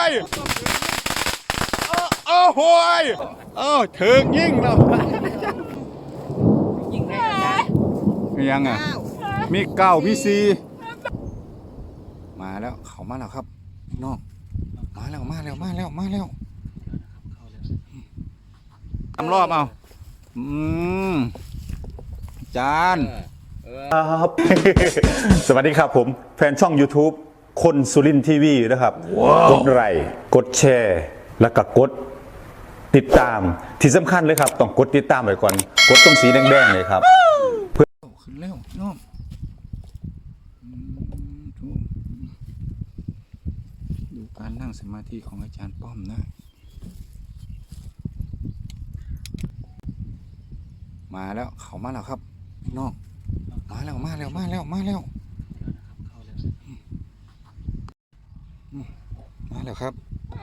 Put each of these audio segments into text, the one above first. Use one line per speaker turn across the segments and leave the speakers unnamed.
ยโอ้โหยถึงยิ่งแล้ว
ยิ่งได้
ยังอ่ะมีเก้ามีสี่มาแล้วเขามาแล้วครับน้องมาแล้วทำรอบเอาจาน
ครับ สวัสดีครับผมแฟนช่อง YouTube คนสุรินทร์ทีวีนะครับกดไลค์กดแชร์แล้วก็กดติดตามที่สำคัญเลยครับต้องกดติดตามไว้ก่อนกดตรงสีแดงๆเลยครับ
เพื่อขึ้นเร็วน้องดูการนั่งสมาธิของอาจารย์ป้อมนะมาแล้วเขามาแล้วครับน้องมาแล้วมาแล้วครับ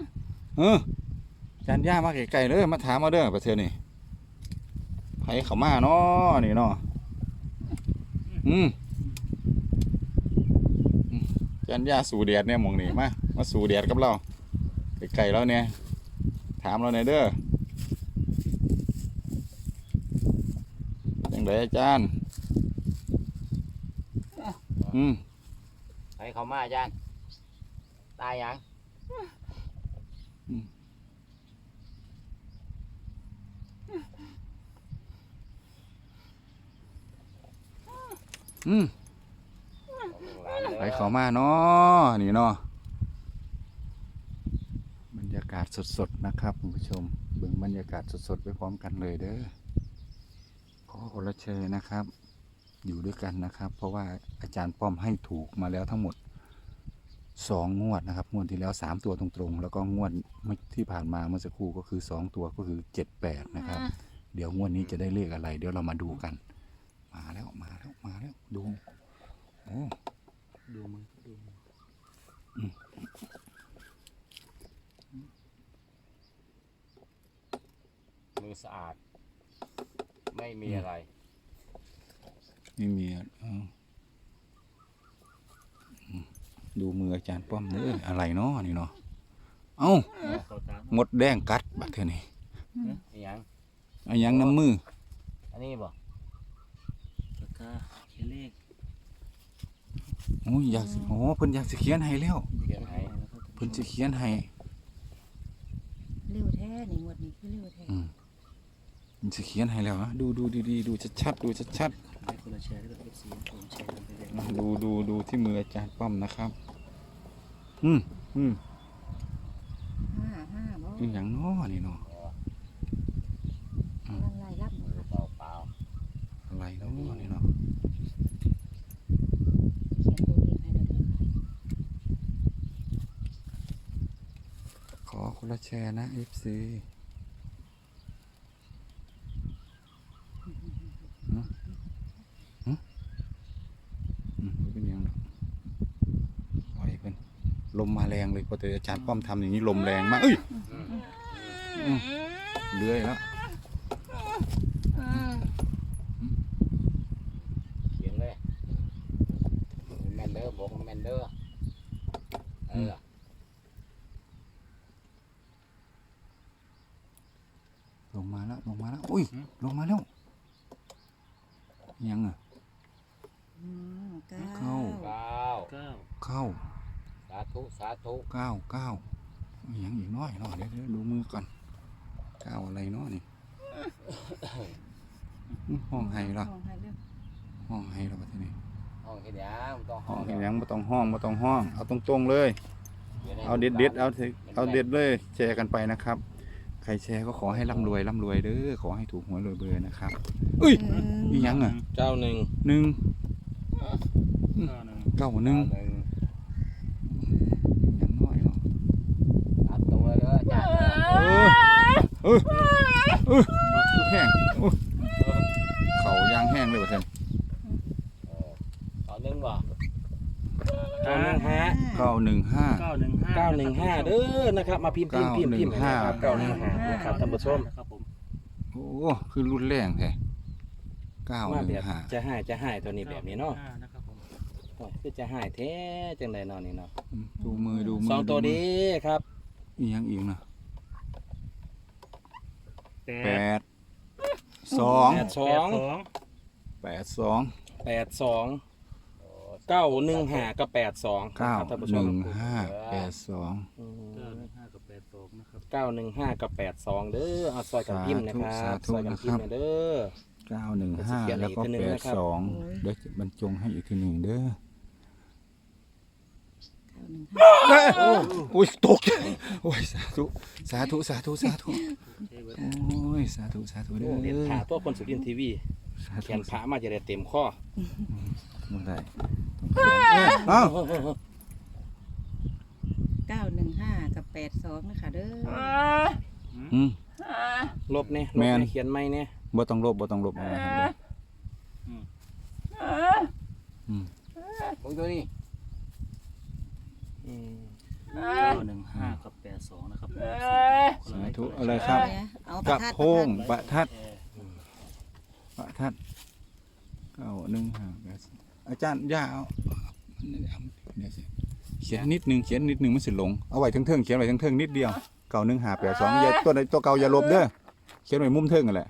อาจารย์ย่ามาไกลๆเลยมาถามมาเด้อประเทศนี่ไผเขามาเนาะนี่เนาะอาจารย์ย่าสู่แดดเนี่ยมองนี่มาสู่แดดกับเราไกลๆแล้วเนี่ยถามเราหน่อยเด้อยังไงอาจารย์
ไผเขามาอาจารย์ตายยัง
ไปเขามาเนาะนี่เนาะบรรยากาศสดๆนะครับคุณผู้ชมเบิ่งบรรยากาศสดๆไปพร้อมกันเลยเด้อขอคนละเชยนะครับอยู่ด้วยกันนะครับ เพราะว่าอาจารย์ป้อมให้ถูกมาแล้วทั้งหมด2 งวดนะครับงวดที่แล้ว3 ตัวตรงๆแล้วก็งวดที่ผ่านมาเมื่อสักครู่ก็คือ2 ตัวก็คือ78นะครับเดี๋ยวงวดนี้จะได้เลขอะไรเดี๋ยวเรามาดูกันมาแล้วดูโอ้
ดูมือสะอาดไม่มีอะไร
ไม่มีดูมืออาจารย์ป้อมเนื้ออะไรเนาะนี่เนาะเอ้าหมดแดงกัดบัดเท่านี้ยังน้ำมือ
อันนี้บ่ปากกาเขียนเลข
โอ้ยเพิ่นอยากจะเขียนให้แล้วเพิ่นจะเขียนให้
เร็วแท้นี่งวดนี้คือเร็วแท้
มันจะเขียนให้แล้วนะดูดีๆดูชัดๆดูที่มืออาจารย์ป้อมนะครับ
5
บ่อย่างน้อนี่เนาะ
อะไรรับหมด
เปล่า
อะไรเนาะนี่เนาะขอคนละแชร์นะ FCเป็นยังปล่อยเป็นลมมาแรงเลยพออาจารย์ป้อมทำอย่างนี้ลมแรงมากเลื่อยแล้ว
เขียนเลยแมนเดอร์บอกแมนเดอร์
ลงมาแล้วอุ้ยลงมาแล้วยังอ่ะเข้า
สาธุ
9ยังอีกน้อยเนาะเดี๋ยวดูมือก่อน9อะไรเนาะนี่ห้องไห้ละห้องไห้ละประเทศนี้
ห้องเห็นยัง
ห้องเห็นยังไม่ต้องห้องเอาตรงๆเลยเอาเด็ดเอาเด็ดเลยแชร์กันไปนะครับใครแชร์ก็ขอให้ร่ำรวยเด้อขอให้ถูกหวยรวยเบอร์นะครับอุ้ยนี่ยังอ่ะ
91
อย่างน้อยเนาะ
ตัดตัวเลยอาจารย์
แห้งเขายางแห้งเลยประเทศ
ต่อหนึ่งบ่
915
เด้อนะครับมาพิมพ์นะครับ915นะครับท่านผู้ชม
โอ้คือรุ่นแรงแท้
915จะให้ตัวนี้แบบนี้เนาะคือจะให้แท้จังได๋เนาะนี่เนาะ
ดูมือ
2 ตัวดีครับ
อีหยังอีกนะ
แป
แป
ด
ดสอง
82
82
82 915กับ82
เก้า
ครับท่านผู้
ห
ชม
นึ่งห้าแปดสอง
915กับ82นะครับ
915กับ82เด้อเอาซอยกันพิมพ์นะครับ
สาธุ
ซอยกันพิมพ์
นะครับ
เด้อ
915แล้วก็
เขียนอีกทีหนึ่งนะครับ
82เดี๋ยวจะบรรจงให้อีกทีหนึ่งเด้อ
915
อุ้ยตกใจโอ้ยสาธุสาธุสาธุสาธุโอ้ยสาธุสาธุเด้อ
เรียนผ่าตัวคนสุรินทร์ทีวี
สาธุ
เขียนผ่ามาจะได้เต็มข้อ
เมื่อไหร่เอ้า
915กับ82นะคะเด้อ
อืม
ลบเนี่ย
แม่น
เขียนไม่เนี่ย
บ่ต้องลบบ่ต้องลบเอาไว้ครับ
ผมตัวนี้
915กับ82นะครับ
สาธุอะไรครับ
เอาป
ก
ระ
ระ
ทัด
โพงประทัดประทัด915อาจารย์ย่าเอาเดี๋ยวสิเขียนนิดนึงเขียนนิดนึงมันสิหลงเอาไว้เทิงๆเขียนไว้เทิงๆนิดเดียว91582อย่าตัวใดตัวเก่าอย่าลบเด้อเขียนไว้มุมเทิงนั่นแหละ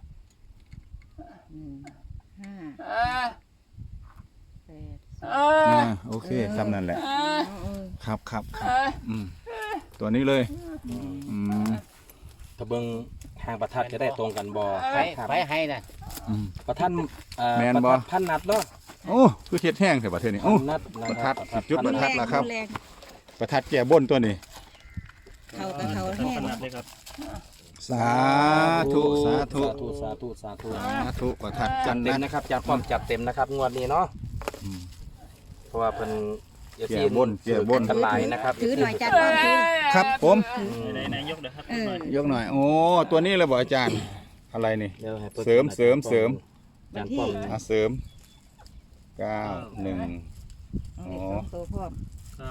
โอเคทำนั่นแหละครับครับอืมตัวนี้เลยอืม
ถ้าเบิ่งหางประทัดจะได้ตรงกันบ่
ไปให้นะ
อืม
ประทัด
แม่นบ่
ประทัดพันนัดเนาะ
โอ้คือเฮ็ดแห้งแต่ประเทศนี้โอ้
พันนัดน
ประทัด
คบ
จุดประทัด ล่ะครับ
แรง
ประทัดแก่บนตัวนี้
เขากับเขา
ต้อ
แห้
ง
ง
ขนาดเลยครับ
สาธุสาธุ
สาธุสาธุ
สาธุประทัด
จั
จั
ด
น
เต็ม
นั้น
นะครับจัดความจัดเต็มนะครับงวดนี้เนาะ
อืม
เพราะว่าเพิ่น
แก่บนแก่บน
กันหลายนะครับ
ถือหน่อยจัดความถือ
ครับผม
ไหนๆยกเดี๋ยวครับ
ยกหน่อยโอ้ตัวนี้เลยบ่อาจารย์อะไรนี่
เดี๋ยวให้พิ่น
เสริมเสริมเสริม
จานป้อม
เสริม91
เอาอีกสองตัวพร้อม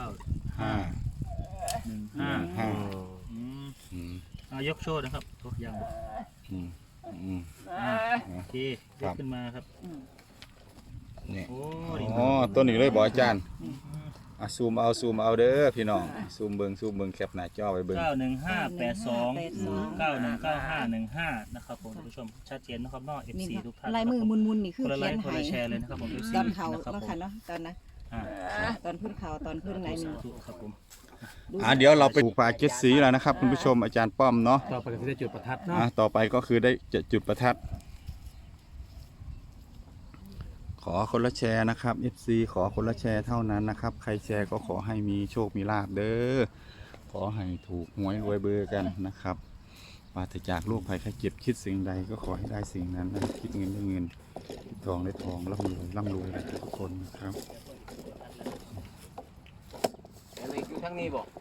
915
5
อืม
อืม
เอายกโชว์นะครับโอ้ยัง
อืมอืม
โอเคย
ครั
ก
บ
ขึ้นมาครับ
นี่
โอ้ดี
อ๋อตัวนี้เลยบ่อาจารย์ซูมเอาเด้อพี่น้องซูมเบิ่งแคปหน้าจอไว้เบิ่ง
91582 919515นะครับผมท่านผู้ชมชัดเจนนะครับเนอก
นี่
FC ทุกท่าน
ลายมือมุนๆนี่คือ
คนละไล
เขียน
ค์คน
ใหา
ละ
ย
แชร์เลยนะครับผม FC
ตอนเขา
นะครับ
แล้ว
ผม
ค่ะเนาะตอนนะ
อ่า
ตอนขึ้นเขาตอนขึ้นไหนหนึ่ง
สาธุครับผม
เดี๋ยวเราไปปลูกป่าเจ็ดสีแล้วนะครับคุณผู้ชมอาจารย์ป้อมเนาะ
ต่อไปก็สิได้จุดประทัดเนาะ
ต่อไปก็คือได้จะจุดประทัด ขอคนละแชร์นะครับ FC ขอคนละแชร์เท่านั้นนะครับ ใครแชร์ก็ขอให้มีโชคมีลาภเด้อขอให้ถูกหวยรวยเบอร์กันนะครับปราศจากโรคภัยไข้เจ็บคิดสิ่งใดก็ขอให้ได้สิ่งนั้นนะคิดเงินได้เงินคิดทองได้ทองร่ำรวยกันทุกคนนะครับ
อะไรอยู่ทางนี้บอก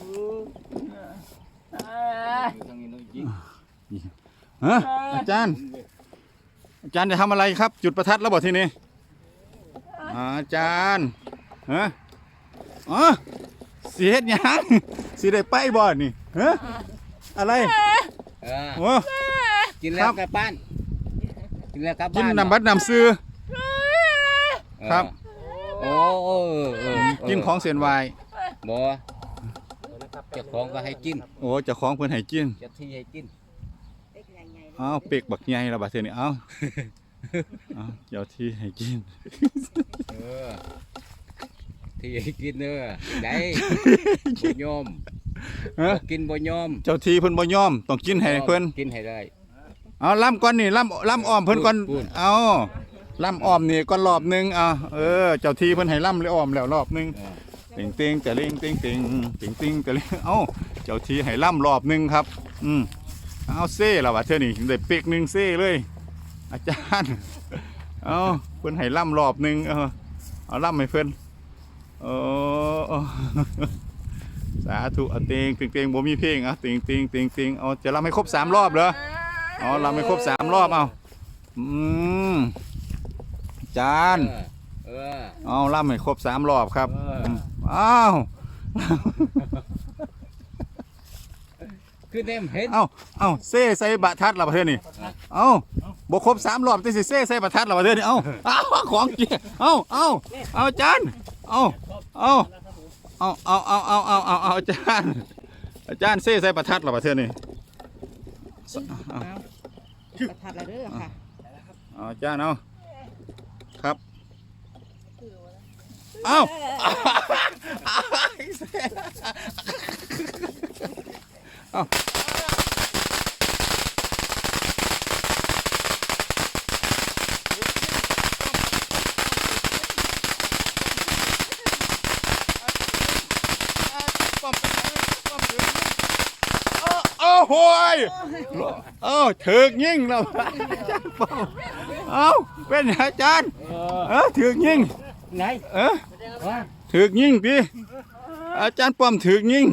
ฮะอาจารย์จะทำอะไรครับ จุดประทัดแล้วบอกทีนี้อาจารย์ฮะอ๋อสีเฮ็ดหยังสีได้ไปบ่นี่ฮะอะไรโอ้
กินแล้วกลับบ้านกินแล้วกลับบ้าน
กินน้ำบัดน้ำซื้อครับ
โอ้
กินของเส้นไหว
บ่เจ้าของก็ให้กิน
โอ้เจ้าของเพิ่นให้กิน
เจ้าที่ให้กิน
อ้าวเป็กบักใหญ่แล้วบัดเทื่อนี้เอ้าเจ้าที่ให้กิน
ที่ให้กินเด้อได้บ่ยอม
ฮะ
บ่กินบ่ยอม
เจ้าที่เพิ่นบ่ยอมต้องกินให้เพิ่น
กินให้ได้
เอาล่ำก่อนนี่ล่ำอ้อมเพิ่นก่อน
พูด
เอาล่ำอ้อมนี่ก่อนรอบหนึงเจ้าที่เพิ่นให้ล่ำเลยอ้อมแล้วรอบหนึงติงแต่ลิงติงแต่ลิงเอ้าเจ้าที่ให้ล่ำรอบหนึงครับเอาเซ่แล้ววะเธอนี่ได้เป๊กหนึงเซ่เลย อาจารย์เอาเพิ่นให้ล่ำรอบหนึงเอาล่ำให้เพิ่นสาธุเอาติงบ่มีเพลงติงเอาจะล่ำให้ครบ3รอบเหรอเอาล่ำให้ครบ3รอบเอาอาจารย์เอาล่ำให้ครบ3รอบครับอ้าว
คือเต็มเห็น
เอาเซ่ใส่บะทัดเราประเทศนี่เอาบครบ3รอบแต่สิเซ่ใส่บะทัดเราประเทศนี่เอาของเกียเอาอาจารย์เอาอาจารย์อาจารย์เซ่ใส่ประทัดเหรอประเทศนี่
เอาประทัดละเด้อค่ะ
เอาอาจารย์เอาครับเอาเอาโอ้ยถึกยิ่งแล้วอาจารย์ป้อมเอาเป็นอาจารย์ถึกยิ่ง
ไง
ถึกยิ่งพี่อาจารย์ป้อมถึกยิ่ง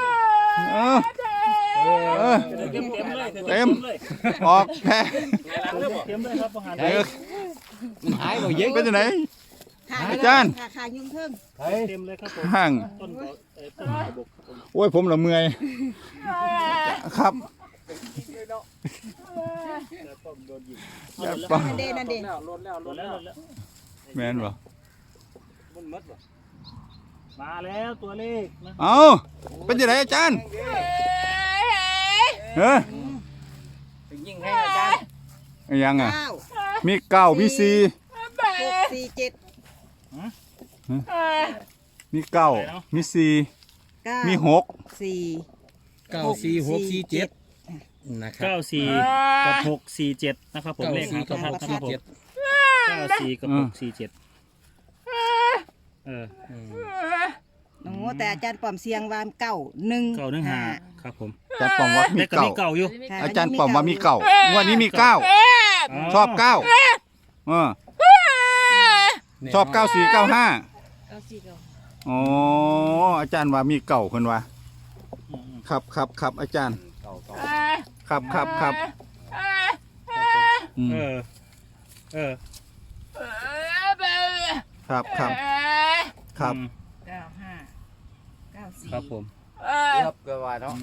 เต็มออกแพ้
เตรียมเลยครับประหาร
หายบ่ยิง
เป็นยังไง อาจารย์
ขายุ่งเพิ่ง
เตรียมเลยครับผม
ห่าง
ต้นต้นบก
โอ้ยผมละเมื่อยครับ
ป้อมโดนยิง
อาจารย์ป้อม
นั่นเด่น
โดนแล้ว
แม่นบ่
มันมัดมาแล้วตัวเลขนะ
เอาเป็นยังไงอาจารย์เฮ้ย
ยิงให้อาจารย์
ยังอ่ะ
9
มีเก้ามีสี่
6 4 7
มีเก้ามีสี่
9
มีหก
4
94647นะครับ
94กับ647นะครับผมเลขหางประทัดนะครับผม94กับ647
โอ้แต่อาจารย์ป้อมเสียงวาม9 1
915ครับผม
อาจารย์ป้อมว่ามี
เลขก็
เก้า
มีเก่าอยู่
อาจารย์ป้อมว่ามีเก้างวันนี้มีเก้าชอบเก้าชอบ94 95อ๋ออาจารย์ว่ามีเก้าคนว่าครับอาจารย์ครับอืม ครับ
อืม
95 94
ครับผม
ครับก็ว่าเนาะ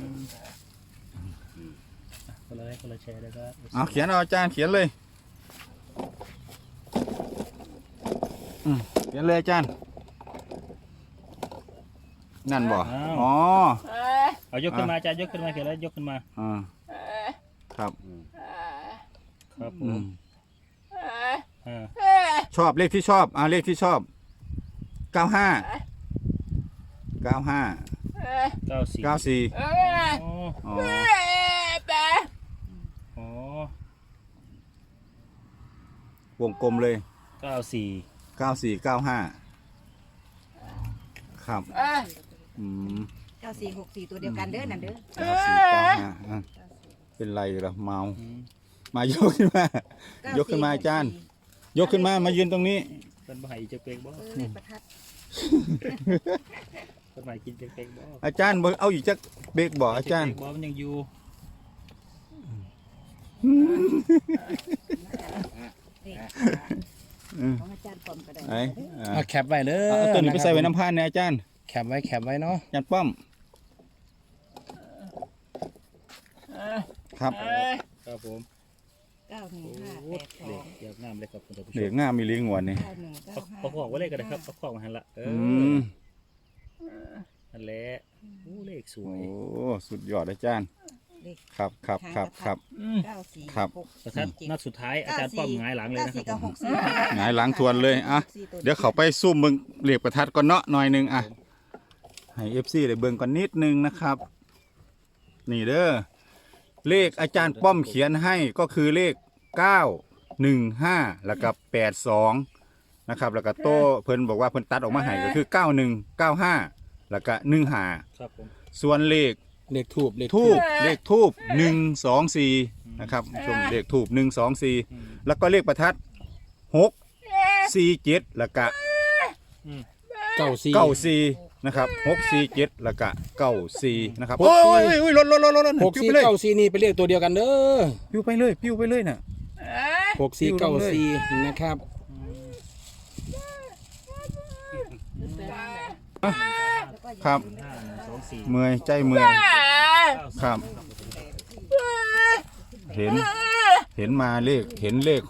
คนละไลค์คนละแชร์เลยครับ
เอาเขียนเอาอาจารย์เขียนเลยเขียนเลยอาจารย์นั่นบ่อ๋อ
เอายกขึ้นมาอาจารย์ยกขึ้นมาเขียนแล้วยกขึ้นมา
ครับ
ครับผ
อื
ม
มชอบเลขที่ชอบเลขที่ชอบ95 95
94
94
อ๋อ
อ๋อ
อ๋อ
วงกลมเลย
94
94 95ครับอืม
94 64ตัวเดียวกันเด้อนั่นเด้อ
94 95เป็นไรเหรอเมามายกขึ้นมายกขึ้นมาอาจารย์ ยกขึ้นมายืนตรงนี้
เป็นบ่ายจะเป็กบ่
เลขประทัด
เป็นบ่ายกินจะเป็กบ่
อาจารย์เอาอีกจักเบรกบ่อาจารย์
บ่มันยังอยู่
ของอาจารย์ป้อมก็ได้
ไอ้
เอาแคปไว้เด้อ
เอาตัวนี้ไปใส่ไว้น้ำพานเนี่ยอาจารย์
แคปไว้เนาะ
อาจารย์ป้อมครับ
ครับผม
915
เด็กอยากงามเลยครับคุณผู้ช
เด็ก
ม
งามมีลิงหวนนี่
ประกอบไว้เลยกันนะครับประกอบมาหันละ
ม
นั่นแหละโอ้เลขสว
โอ้
ย
สุดยอดอาจารย์ครับ
94
ครับ
ประทัดนัดสุดท้ายอาจารย์ป้อมหงายหลังเลยนะครับผม
หงายหลังทวนเลยเดี๋ยวเขาไปซุ่มมึงเหลียกประทัดก่อนเนาะหน่อยหนึงให้ FC ได้เบิ่งก่อนนิดนึงนะครับ นี่เด้อเลขอาจารย์ป้อมเขียนให้ก็คือเลข915แล้วก็82นะครับแล้วก็โต้เพิ่นบอกว่าเพิ่นตัดออกมาให้ก็คือ9195แล้วก็15
ครับผม
ส่วนเลข
เลขทูบ
เลขทูบ124นะครับชมเลขทูบ124แล้วก็เลขประทัด647แล้วก็94นะครับ647แล้วก็94นะครับโอ้ยลดปิ้วไปเลย
649นี่เป็นเลขตัวเดียวกันเด้อ
ปิ้วไปเลยน่ะ
6494นะครับ
ครับ
5 1 2 4
เมื่อยใจเมื่อยครับ เห็นมาเห็นเลข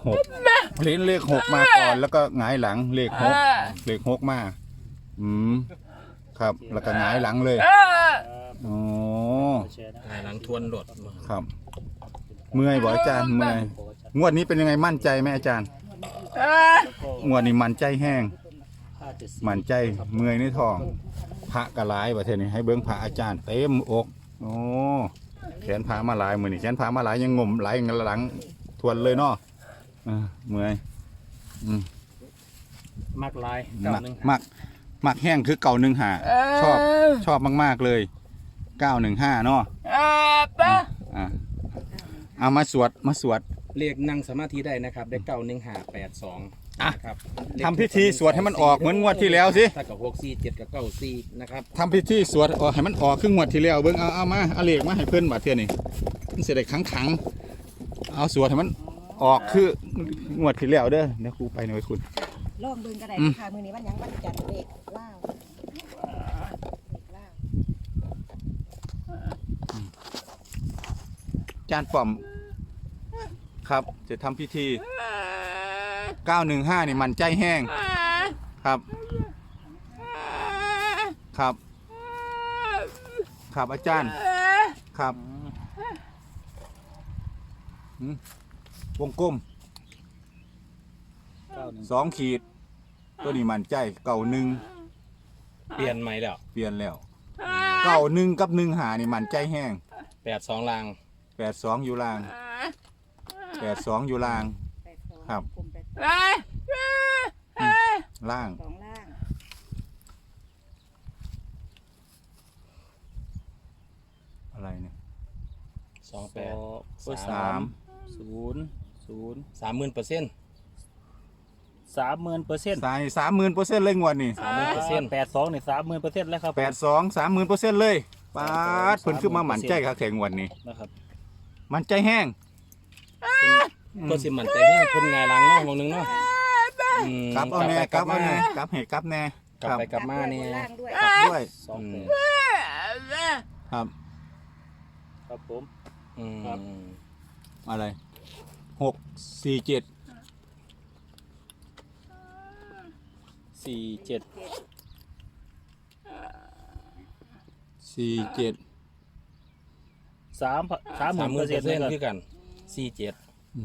6มาก่อนแล้วก็หงายหลังเลข6มาครับ แล้วก็หงายหลังเลยอ๋อ
แชร์นะ
หลังทวนโดด
ครับ เมื่อยบ่อาจารย์เมื่อยงวดนี้เป็นยังไงมั่นใจไหมอาจารย์งวดนี้มั่นใจแห้งมั่นใจเมื่อยในท้องพระกระลายประเทศนี้ให้เบิ้งพระอาจารย์เต็มอกโอ้แขนพามาหลายมือนี่แขนพามาหลายยังงมไหลหลังทวนเลยเนาะเมื่อย
มักลาย
มักแห้งคือเก่าหนึ่งหาชอบมากๆเลย915เนาะเอามาสวด
เรียกนั่งสมาธิได้นะครับได้91582นะครับ
ทำพิธีสวดให้มันออกเหมือนงวดที่แล้วสิ
ถ้ากับ64 7กับ94นะครับ
ทำพิธีสวดให้มันออกครึ่งงวดที่แล้วเบิ้งเอามาเอาเลขมาให้เพื่อนบาดเทื่อนี่มันเสียได้ขังเอาสวดให้มันออกคืองวดที่แล้วเด้อเดี๋ยวครูไปหน่อยคุณ
ลองเบิ่งก็ได้ค่ะมื้อนี้วันหยังวันจันทร์เลขว้าวเลขว้าว
จานป้อมครับจะทำพิธี915นี่มันใจแห้งครับครับอาจารย์ครับวงกลม2 ขีดตัวนี้มันใจ1
เปลี่ยนใหม่แล้ว
เปลี่ยนแล้ว1กับ15นี่มันใจแห้ง
82ลาง
82อยู่ล่าง82อยู่ล่าง
82
ครับ
กลม82
ล่าง
2ล่าง
อะไรเนี่ย
28
3
0
30,000%
30,000%
ใส่30,000%เลยงวดนี่
82นี่30,000%แล้วครับ
82 30,000%เลยปาดเพิ่นขึ้นมาหมั่นใจครับแข่งวันนี้
นะครับ
มั่นใจแห้ง
ก็สิมั่นใจแห้งเพิ่นไงหลังเนาะมองนึงเนาะ
กลับเอาแน่กลับเอาแน่กลับให้กลับแน่
กลับไปกลับมานี่
ล่างด้วย
กลับด้วย ครับ
ครับผม
ครับ
อะไร6 4 7
47
4 7
30,000%
คือกัน47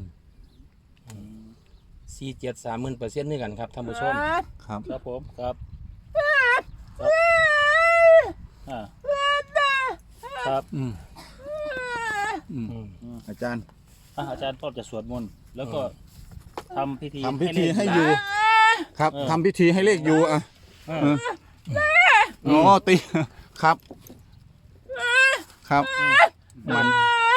47 30,000% นี่กันครับท่านผู้ชม
ครับ
ครับผมครับครับ
อาจารย์
อาจารย์ก็จะสวดมนต์แล้วก็ทำพิธี
ให้อยู่ ครับทำพิธีให้เลขอยู่อ่ะอ๋อตีครับครับมัน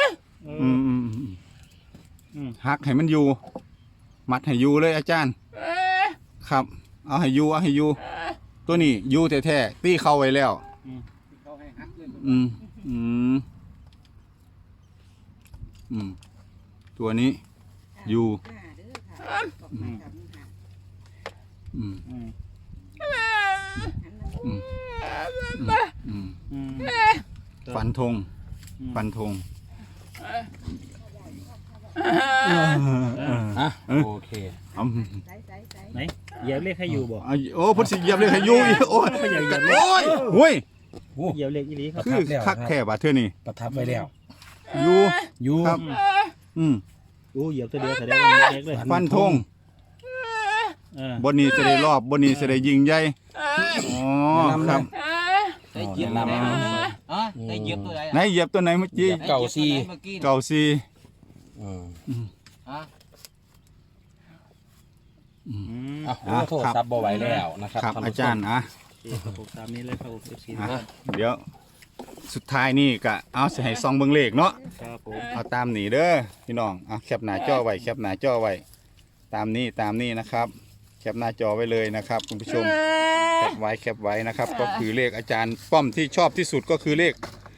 หักให้มันอยู่มัดให้อยู่เลยอาจารย์ครับเอาให้อยู่ตัวนี้อยู่แท้ๆตีเข้าไว้แล้วตัวนี้อยู่ฟันธง
โอเค
ไหนเหยียบเลขให้อยู่บ่
โอ้พุทธสิเหยียบเลยให้อยู่อีกโอ้ยโอ้ย
เหยียบเลขอีหลีครับ
คือคักแค่บาดเท่านี้
ประทับไว้แล้ว
อยู่ครับ
เหยียบตัวเดียวแสดงว่ามีเลขเลย
ฟันธงบนนี้จะได้รอบบนนี้จะได้ยิงใหญ่อ๋อครับ
ได้เหยียบตัวไหนได้เหยียบตัวไหน
ไหนเหยียบตัวไหนเมื่อกี้
เก่าซี
เก่าซี
โทษซับบ่ไหวแล้วนะครับ
ครับอาจารย์
ครับผมตามนี้เลยครับผม FC
เดี๋ยวสุดท้ายนี่ก็เอาสิให้ซองเบิ่งเลขเนาะ
ครับผม
เอาตามนี้เด้อพี่น้องเอาแคปหน้าจอไว้แคปหน้าจอไว้ตามนี้นะครับแคปหน้าจอไว้เลยนะครับคุณผู้ชมแคปไว้นะครับก็คือเลขอาจารย์ป้อมที่ชอบที่สุดก็คือเลข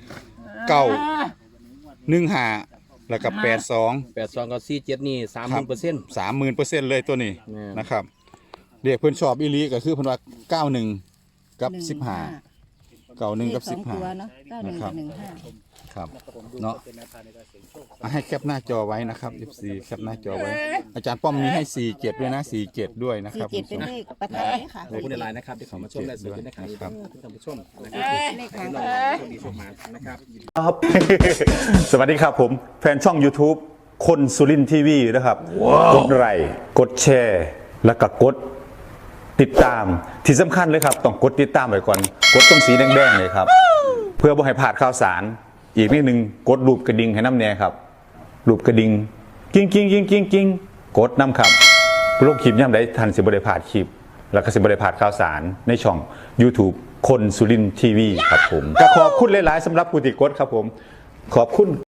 915แล้วก็82
82กับ47นี่ 30,000%
30,000% เลยตัวนี้นะครับเรียกเพิ่นชอบอีหลีก็คือเพิ่นว่า91กับ15 91 กับ
เลขสองตัวเนาะ91
ครั
กับ บ15
ครับ
นะครับผมดู
เนาะ
เป็นแนวทางในการเสี่ยงโชค
ให้แคปหน้าจอไว้นะครับ FC แคปหน้าจอไว้ อาจารย์ป้อมมีให้47ด้วยนะ47ด้วยนะครับ
47เป็นเลขประทัดค่ะ
ขอบคุณในไลน์นะครับที่เข้ามาชมและสวัสดีนะครับ
ครับ
ท่านผู้ชมนะครับ
เลขทาง
ให้
ค่ะ
เราโชคดีโชคมานะครับ
ครับ สวัสดีครับผมแฟนช่อง YouTube คนสุรินทีวีนะครับกดไลค์กดแชร์ แล้วก็กดติดตามที่สำคัญเลยครับ ต้องกดติดตามไว้ก่อน กดตรงสีแดงๆเลยครับ เพื่อบ่ให้พลาดข่าวสาร อีกนิดนึงกดรูปกระดิ่งให้น้ำแน่ครับรูปกระดิ่งกิ้งกิ้งกิ้งกิ้งกิ้งกดน้ำครับโลกคลิปย่ำได้ทันสิบได้พลาดคลิป แล้วก็สิบได้พลาดข่าวสารในช่อง YouTube คนสุรินทีวีครับผมก็ขอบคุณหลายๆสำหรับผู้ติดกดครับผมขอบคุณ